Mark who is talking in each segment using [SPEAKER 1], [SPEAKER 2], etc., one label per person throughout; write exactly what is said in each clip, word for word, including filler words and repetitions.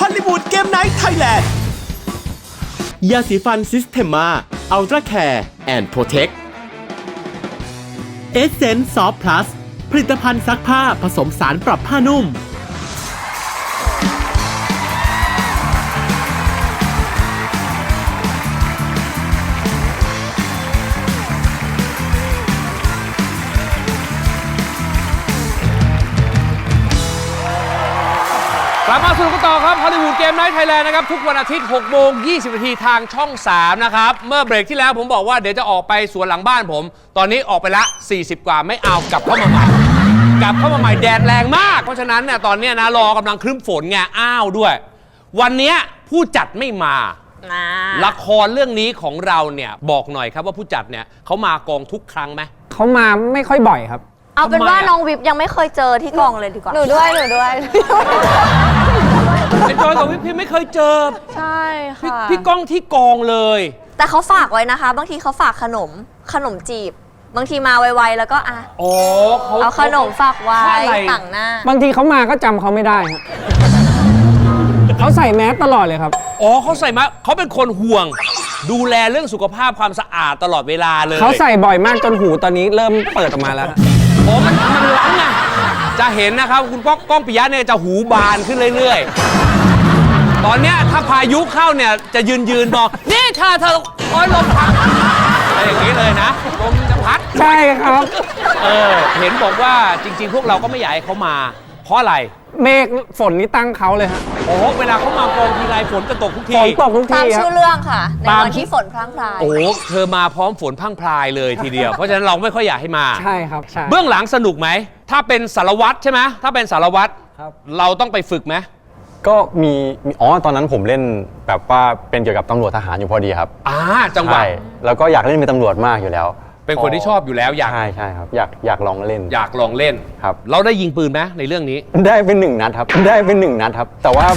[SPEAKER 1] ลลีวูดเกมไนท์ไทยแลนด์ยาสีฟันซิสเทมมาอัลตร้าแคร์แอนด์โปรเทคเอเซนส์ซอฟต์พลัสผลิตภัณฑ์ซักผ้าผสมสารปรับผ้านุ่ม
[SPEAKER 2] กลับมาสนุกกันต่อครับฮอลลีวูดเกมไนท์ไทยแลนด์นะครับทุกวันอาทิตย์หกโมงยี่สิบนาทีทางช่องสามนะครับเมื่อเบรกที่แล้วผมบอกว่าเดี๋ยวจะออกไปสวนหลังบ้านผมตอนนี้ออกไปละสี่สิบกว่าไม่เอากลับเข้ามาใหม่กลับเข้ามาใหม่แดดแรงมากเพราะฉะนั้นเนี่ยตอนนี้นะรอกำลังครึ้มฝนไงอ้าวด้วยวันนี้ผู้จัดไม่มาละครเรื่องนี้ของเราเนี่ยบอกหน่อยครับว่าผู้จัดเนี่ยเขามากองทุกครั้งไหม
[SPEAKER 3] เขามาไม่ค่อยบ่อยครับ
[SPEAKER 4] เอาเป็นว่าน้องวิบยังไม่เคยเจอที่กองเลยดีกว่า
[SPEAKER 5] หนูด้วยหนูด้วย
[SPEAKER 2] ไอ้จอยกับวิพี่ไม่เคยเจอ
[SPEAKER 4] ใช่ค่ะ
[SPEAKER 2] พี่ก้องที่กองเลย
[SPEAKER 4] แต่เขาฝากไว้นะคะบางทีเขาฝากขนมขนมจีบบางทีมาไวๆแล้วก็อ่ะ
[SPEAKER 2] โอ้เขา
[SPEAKER 4] เอาขนมฝากไว้ต่างหน้า
[SPEAKER 3] บางทีเขามาก็จำเขาไม่ได้ครับเขาใส่แมสตลอดเลยครับ
[SPEAKER 2] อ๋อเขาใส่มาเขาเป็นคนห่วงดูแลเรื่องสุขภาพความสะอาดตลอดเวลาเลย
[SPEAKER 3] เขาใส่บ่อยมากจนหูตอนนี้เริ่มเปิดออกมาแล้ว
[SPEAKER 2] โอ้มันมันล้างไงจะเห็นนะครับคุณก้องก้องปิยะเนี่ยจะหูบานขึ้นเรื่อยๆตอนเนี้ยถ้าพายุเข้าเนี่ยจะยืนยืนบอกนี่เธอเธอโอ้ยลมพัดอะไรอย่างนี้เลยนะลมจะพัด
[SPEAKER 3] ใช่ครับ
[SPEAKER 2] เออเห็นบอกว่าจริงๆพวกเราก็ไม่อยากให้เขามาเพราะอะไร
[SPEAKER 3] เมฆฝนนี่ตั้งเขาเลยฮะ
[SPEAKER 2] โอ้เวลาเขามากองทีไรฝนจะตกทุกที
[SPEAKER 3] ฝนตกทุกที
[SPEAKER 4] ตามชื่อเรื่องค่ะในวันที่ฝนพรั่งพราย
[SPEAKER 2] โอ้เธอมาพร้อมฝนพรั่งพรายเลยทีเดียวเพราะฉะนั้นเราไม่ค่อยอยากให้มา
[SPEAKER 3] ใช่ครับใช่
[SPEAKER 2] เบื้องหลังสนุกไหมถ้าเป็นสารวัตรใช่ไหมถ้าเป็นสารวัตรเราต้องไปฝึกไหม
[SPEAKER 6] ก็มีอ๋อตอนนั้นผมเล่นแบบว่าเป็นเกี่ยวกับตำรวจทหารอยู่พอดีครับ
[SPEAKER 2] อ่าจังหวะ
[SPEAKER 6] แล้วก็อยากเล่นเป็นตำรวจมากอยู่แล้ว
[SPEAKER 2] เป็นคนที่ชอบอยู่แล้วอยาก
[SPEAKER 6] ใช่ใช่ครับอยากอยากลองเล่น
[SPEAKER 2] อยากลองเล่น
[SPEAKER 6] ครับ
[SPEAKER 2] เราได้ยิงปืนไหมในเรื่องนี้
[SPEAKER 6] ได้เป็นหนึ่งนัดครับได้เป็นหนึ่งนัดครับแต่ว่า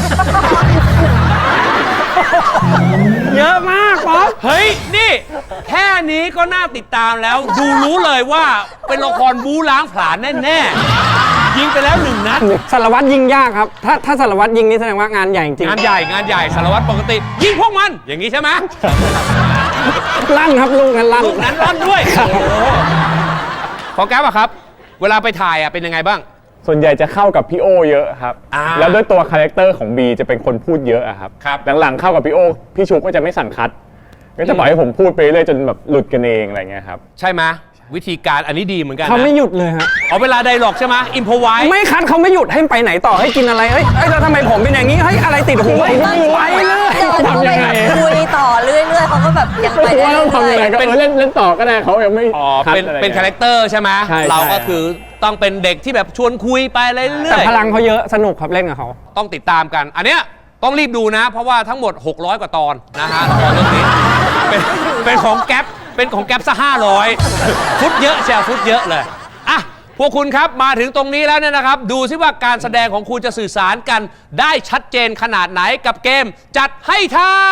[SPEAKER 3] เยอะมากป๊อป
[SPEAKER 2] เฮ้ยนี่แค่นี้ก็น่าติดตามแล้วดูรู้เลยว่าเป็นละครบู๊ล้างผลาญแน่ๆยิงไปแล้วหนึ่งนัด
[SPEAKER 3] สารวัตรยิงยากครับถ้าถ้าสารวัตรยิงนี่แสดงว่างานใหญ่จริง
[SPEAKER 2] งานใหญ่งานใหญ่สารวัตรปกติยิงพวกมันอย่างนี้ใช่ไหม
[SPEAKER 3] ลั่นครับลูกนั้นลั่น
[SPEAKER 2] ลูกนั้นลั่นด้วยโอ้โหขอแก๊ปอะครับเวลาไปถ่ายอะเป็นยังไงบ้าง
[SPEAKER 6] ส่วนใหญ่จะเข้ากับพี่โอเยอะครับแล้วด้วยตัวคาแรคเตอร์ของบีจะเป็นคนพูดเยอะครับหลังๆเข้ากับพี่โอพี่ชุกก็จะไม่สั่งคัดก็จะปล่อยให้ผมพูดไปเรื่อยจนแบบหลุดกันเองอะไรเงี้ยครับ
[SPEAKER 2] ใช่ไหมวิธีการอันนี้ดีเหมือนกัน
[SPEAKER 3] เขาไม่หยุดเลยฮะ
[SPEAKER 2] เอาเวลาไดร็อกใช่ไหมอิมพอไว้
[SPEAKER 3] ไม่คัดเขาไม่หยุดให้ไปไหนต่อให้กินอะไรเฮ้ยแล้วทำไมผมเป็นอย่างนี้เฮ้ยอะไรติดหูไปเรื่อย
[SPEAKER 4] ทำยังไงคุยต่อเรื่อยๆเขาก็แบบยังไปได้
[SPEAKER 6] ทำยังไงก็เล่นเล่นต่อก็ได้เขายังไม่
[SPEAKER 2] อ๋อเป็นเป็นคาแรคเตอร์ใช่ไหมเราก็คือต้องเป็นเด็กที่แบบชวนคุยไปเรื่อยๆ
[SPEAKER 3] แต่พลังเขาเยอะสนุกครับเล่นกับเขา
[SPEAKER 2] ต้องติดตามกันอันเนี้ยต้องรีบดูนะเพราะว่าทั้งหมดหกร้อยกว่าตอนนะฮะละครเรื่องนี้เป็นเป็นของแก๊ปเป็นของแก๊ปซะห้าร้อยฟุตเยอะเชียวฟุตเยอะเลยอ่ะพวกคุณครับมาถึงตรงนี้แล้วเนี่ยนะครับดูซิว่าการแสดงของคุณจะสื่อสารกันได้ชัดเจนขนาดไหนกับเกมจัดให้ท่า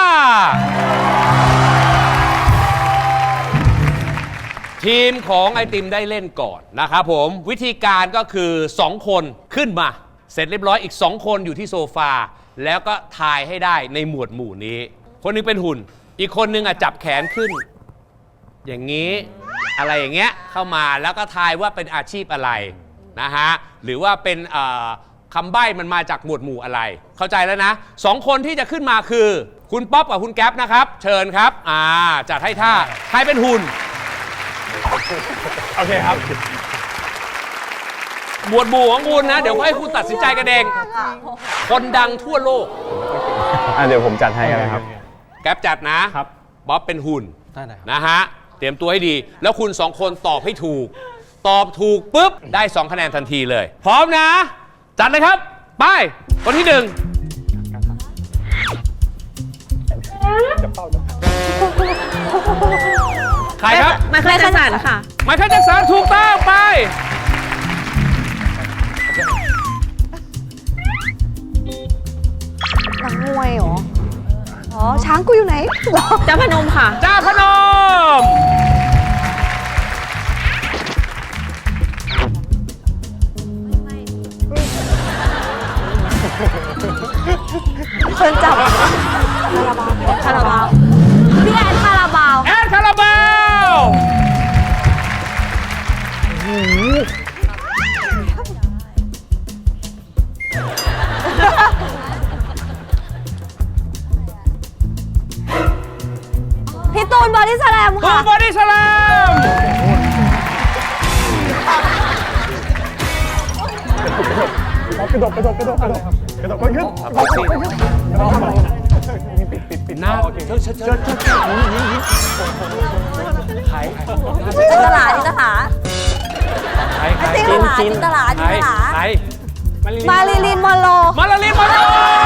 [SPEAKER 2] ทีมของไอติมได้เล่นก่อนนะครับผมวิธีการก็คือสองคนขึ้นมาเสร็จเรียบร้อยอีกสองคนอยู่ที่โซฟาแล้วก็ทายให้ได้ในหมวดหมู่นี้คนนึงเป็นหุ่นอีกคนนึงอ่ะจับแขนขึ้นอย่างนี้อะไรอย่างเงี้ยเข้ามาแล้วก็ทายว่าเป็นอาชีพอะไรนะฮะหรือว่าเป็นคำใบ้มันมาจากหมวดหมู่อะไรเข้าใจแล้วนะสองคนที่จะขึ้นมาคือคุณป๊อปกับคุณแก๊ปนะครับเชิญครับอ่าจัดให้ท่าใครเป็นหุ่น
[SPEAKER 6] โอเคครับ
[SPEAKER 2] หมวดหมู่ของคุณนะเดี๋ยวให้คุณตัดสินใจกันเองคนดังทั่วโลก
[SPEAKER 6] อ่ะเดี๋ยวผมจัดให้กันนะครับ
[SPEAKER 2] แก๊ปจัดนะครับบ๊อบเป็นหุ่นนะฮะเตรียมตัวให้ดีแล้วคุณสองคนตอบให้ถูกตอบถูกปุ๊บได้สองคะแนนทันทีเลยพร้อมนะจัดเลยครับไปคนที่หนึ่งใครครับ
[SPEAKER 5] ไมเคิลแจ็คสันค่ะ
[SPEAKER 2] ไมเคิลแจ็คสันถูกต้องไป
[SPEAKER 5] นักมวยเหรออ๋อช้างกูอยู่ไหนจ้าพนมค่ะ
[SPEAKER 2] จ้าพนม
[SPEAKER 4] คนจับคาราบาวพี่แอนคาราบาว
[SPEAKER 2] แอนคาราบาว
[SPEAKER 4] พี่ตูนบอดี้สแลม
[SPEAKER 2] ตู
[SPEAKER 4] ค่ะ
[SPEAKER 2] นบอดี้สแลม
[SPEAKER 6] กระโดดกระโดดกระโดดกระโดดกระโดดมันขึ้น
[SPEAKER 2] ปิดหน้าเชิดเชิดเชิด
[SPEAKER 4] จินตลาจินตลา
[SPEAKER 2] ใครใคร
[SPEAKER 4] จินตลาจินตลาจินตลา
[SPEAKER 2] ใคร
[SPEAKER 4] มาริลินมอนโร
[SPEAKER 2] มาลาลินมาโล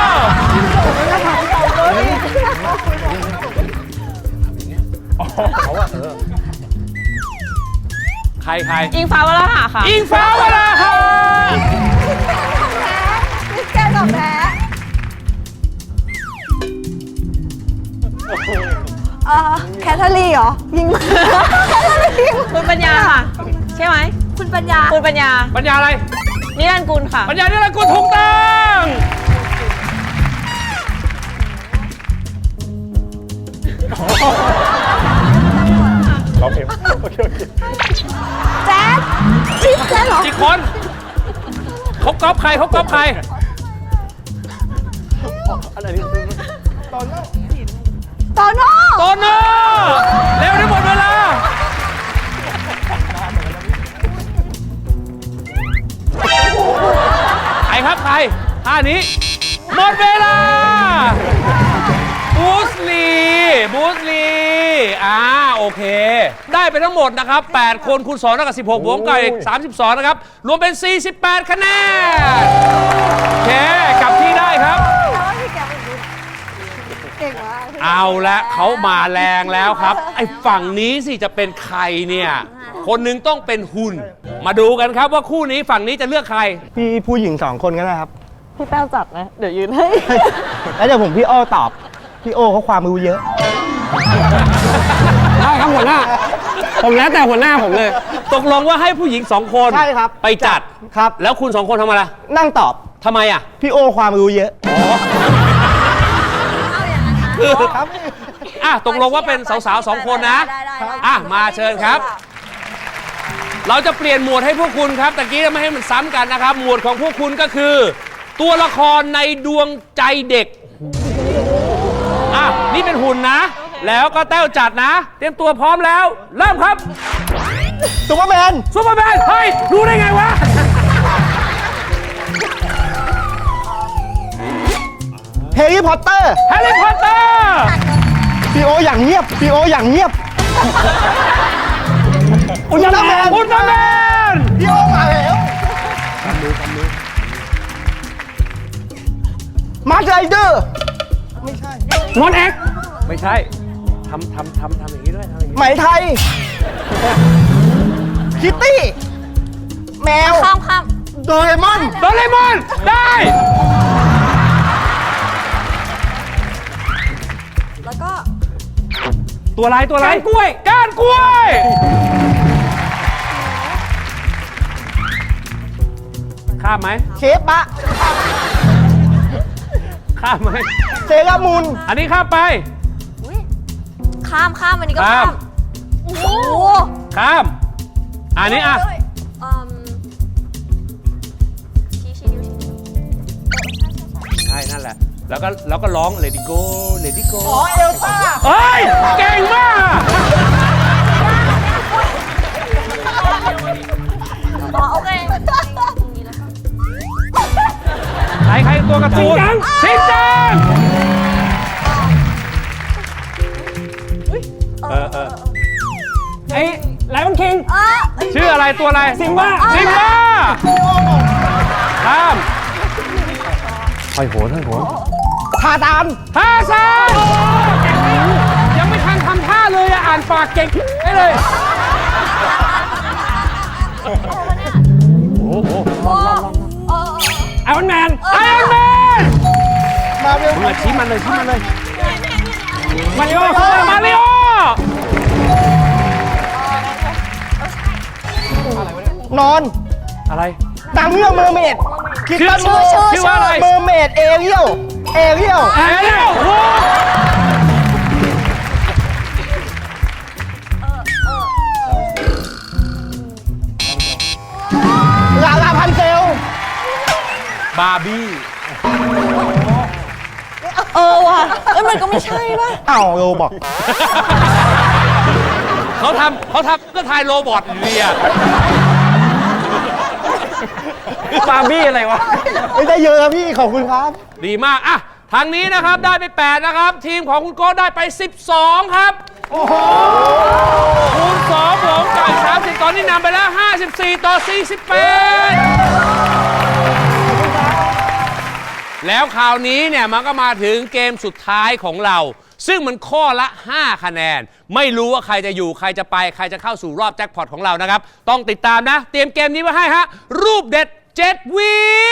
[SPEAKER 2] ใครใคร
[SPEAKER 5] อิงฟ้าวราหะค่ะ
[SPEAKER 2] อิงฟ้าวราหะ
[SPEAKER 4] พี่แกกับแพ้เอ่อแคทเธอรีนเหรอ ยิงแคทเธอรีน
[SPEAKER 5] คุณปัญญาค่ะ ใช่ไหม
[SPEAKER 4] คุณปัญญา
[SPEAKER 5] คุณปัญญา
[SPEAKER 2] ปัญญาอะไร
[SPEAKER 5] นิรันดร์กุลค่ะ
[SPEAKER 2] ปัญญานี่แหละกูถูกต้อง
[SPEAKER 6] ร้องเพลงโอเคโอเค
[SPEAKER 4] แจ๊ดจิ๊บแจ๊ดเหรอ
[SPEAKER 2] กี่คนเขาก๊อปใครเขาก๊อปใคร
[SPEAKER 4] โตโน่
[SPEAKER 2] โตโน่เร็วได้หมดเวลาใครครับใครท่านี้หมดเวลาบูสลีบูสลีอ่าโอเค ได้ไปทั้งหมดนะครับแปดคนคูณสองเท่ากับสิบหกบวกกับอีกสามสิบสองนะครับรวมเป็นสี่สิบแปดคะแนนโอเคกลับที่ได้ครับ
[SPEAKER 4] เก่งมาก
[SPEAKER 2] เอาละเขามาแรงแล้วครับ ไอ้ฝั่งนี้สิจะเป็นใครเนี่ย คนหนึงต้องเป็นหุ่น มาดูกันครับว่าคู่นี้ฝั่งนี้จะเลือกใคร
[SPEAKER 7] พี่ผู้หญิงสองคนก็ได้ครับ
[SPEAKER 5] พี่แป้วจับนะ เดี๋ยวยืนให้
[SPEAKER 7] แล้วเดี๋ยวผมพี่โอ้ตอบ พี่โอ้เขาความรู้เยอะ
[SPEAKER 3] ได้ครับหัวหน้า ผมแล้วแต่หัวหน้าผมเลย
[SPEAKER 2] ตกลงว่าให้ผู้หญิงสองคน
[SPEAKER 7] ใช่ครับ
[SPEAKER 2] ไปจัด
[SPEAKER 7] ครับ
[SPEAKER 2] แล้วคุณสองคนทำอะไร
[SPEAKER 7] นั่งตอบ
[SPEAKER 2] ทำไมอ่ะ
[SPEAKER 7] พี่โอ้ความรู้เยอะ
[SPEAKER 2] คือ
[SPEAKER 7] ครับ
[SPEAKER 2] อ่ะตกลงว่าเป็นสาวๆสองคนนะ
[SPEAKER 4] ได้ได้ได้
[SPEAKER 2] อ่ะมาเชิญครับ เราจะเปลี่ยนหมวดให้พวกคุณครับตะกี้ไม่ให้มันซ้ำกันนะครับ หมวดของพวกคุณก็คือ ตัวละครในดวงใจเด็กอ่ะนี่เป็นหุ่นนะ แล้วก็แต้วจัดนะ เตรียมตัวพร้อมแล้ว เริ่มครับ
[SPEAKER 7] ซูเปอร์แมน
[SPEAKER 2] ซูเปอร์แมนเฮ้ยรู้ได้ไงวะ
[SPEAKER 7] แฮร์รี่พอตเตอร์
[SPEAKER 2] แฮร์รี่พอตเตอร์
[SPEAKER 7] พี่โออย่างเงียบ พี่โออย่างเงียบ อุลตร้าแมน
[SPEAKER 2] อุลตร้าแมน
[SPEAKER 7] พี่โอมาแล้วมาร์คไรเดอร์
[SPEAKER 3] มอนเอ็ก
[SPEAKER 2] ไม่ใช่ทำทำทำทำอย่างนี้ด้วยทำอย่างนี้
[SPEAKER 7] ไหมไทย คิตตี้ แมว
[SPEAKER 4] ข้ามข้าม
[SPEAKER 7] โดเรมอน
[SPEAKER 2] โดเรมอนได้
[SPEAKER 4] แล้วก็
[SPEAKER 2] ตัวอะไรตัวอะไรก้านกล้วยก้านกล้วย ข้ามไหม
[SPEAKER 7] เชฟบะ
[SPEAKER 2] ข้ามไหม
[SPEAKER 7] เซรามูน
[SPEAKER 2] อันนี้ข้ามไป
[SPEAKER 4] อุ๊ยข้ามข้ามอันนี้ก็
[SPEAKER 2] ข้า
[SPEAKER 4] ข้าม มโอ้โห
[SPEAKER 2] ข้าม อันนี้อ่ะ
[SPEAKER 4] เยเอิ่มชี้ชี้นิ้วชี้นิ้วเออใช่ใช่ใช่
[SPEAKER 2] ใช่นั่นแหละ แล้วก็แล้วก็ร้อง Let it go Let it go
[SPEAKER 7] อ๋อ เอลซ่า
[SPEAKER 2] เฮ้ย เก่งมาก
[SPEAKER 4] อ๋อโอเค
[SPEAKER 2] ใครใครตัวการ์ตูนชินจังเออเออ
[SPEAKER 3] ไอ้ไลออนคิง
[SPEAKER 4] เออ
[SPEAKER 2] ชื่ออะไรตัวอะไร
[SPEAKER 3] ซิมบ้า
[SPEAKER 2] ซิมบ้าข้ามห้อยโหนห้อยโหน
[SPEAKER 7] ทาดาน
[SPEAKER 2] ท่าซานยังไม่ทันทำท่าเลยอะอ่านปากเก่งได้เลย โอ้โห
[SPEAKER 4] โอ้เออ
[SPEAKER 3] ไอรอนแมน
[SPEAKER 2] ไอรอนแมน
[SPEAKER 7] มาเวล
[SPEAKER 2] มึงอะชี้มันเลยชี้มันเลย
[SPEAKER 3] มาริโอ
[SPEAKER 2] มาริโอ
[SPEAKER 7] นอน
[SPEAKER 2] อะไร
[SPEAKER 7] นางเงือกเมอร์เมดคิด
[SPEAKER 2] ชื่อ
[SPEAKER 7] ตั้ง
[SPEAKER 2] ชื่อ
[SPEAKER 7] ชื่อ
[SPEAKER 2] ชื่อว่าอะไร
[SPEAKER 7] เมอร์เมดเอเรียลเอเรียล
[SPEAKER 2] แอเรียลโอ้
[SPEAKER 7] ลาลาพันเซล
[SPEAKER 2] บาร์บี้
[SPEAKER 5] เออว่ะเอ้ยมันก็ไม่ใช่ป่ะ
[SPEAKER 7] อ้าวโรบอก
[SPEAKER 2] เขาทำเขาทำก็ทายโรบอทอยู่ดีอะ
[SPEAKER 3] บาร์บี้อะไรวะ
[SPEAKER 7] ไม่ได้เยอะครับพี่ ขอบคุณครับ
[SPEAKER 2] ดีมากอะทางนี้นะครับได้ไปแปดนะครับ ทีมของคุณโก้ได้ไปสิบสองครับ โอ้โหคูณสองผมกับอีกสามสิบตอนนี้นำไปแล้วห้าสิบสี่ต่อสี่สิบแปดแล้วคราวนี้เนี่ยมันก็มาถึงเกมสุดท้ายของเรา ซึ่งมันข้อละห้าคะแนนไม่รู้ว่าใครจะอยู่ใครจะไปใครจะเข้าสู่รอบแจ็คพอตของเรานะครับต้องติดตามนะเตรียมเกมนี้ไว้ให้ฮะรูปเด็ดเจ็ดวิ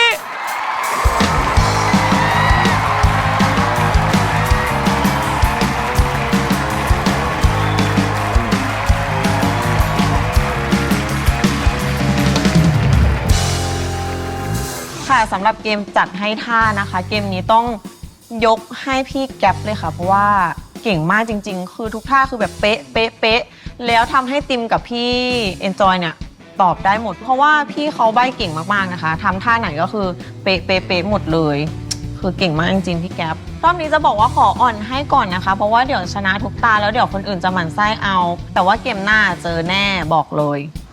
[SPEAKER 5] ค่ะสำหรับเกมจัดให้ท่านะคะ เกมนี้ต้องยกให้พี่แก๊ปเลยค่ะ เพราะว่าเก่งมากจริงๆ คือทุกท่าคือแบบเป๊ะเป๊ะเป๊ะแล้วทำให้ติมกับพี่เอนจอยเนี่ยตอบได้หมด เพราะว่าพี่เขาใบ้เก่งมากๆนะคะทำท่าไหนก็คือเป๊ะเป๊ะเป๊ะหมดเลยคือเก่งมากจริงๆพี่แก๊ปรอบนี้จะบอกว่าขออ่อนให้ก่อนนะคะ เพราะว่าเดี๋ยวชนะทุกตาแล้วเดี๋ยวคนอื่นจะหมั่นไส้เอา แต่ว่าเกมหน้าเจอแน่บอกเลย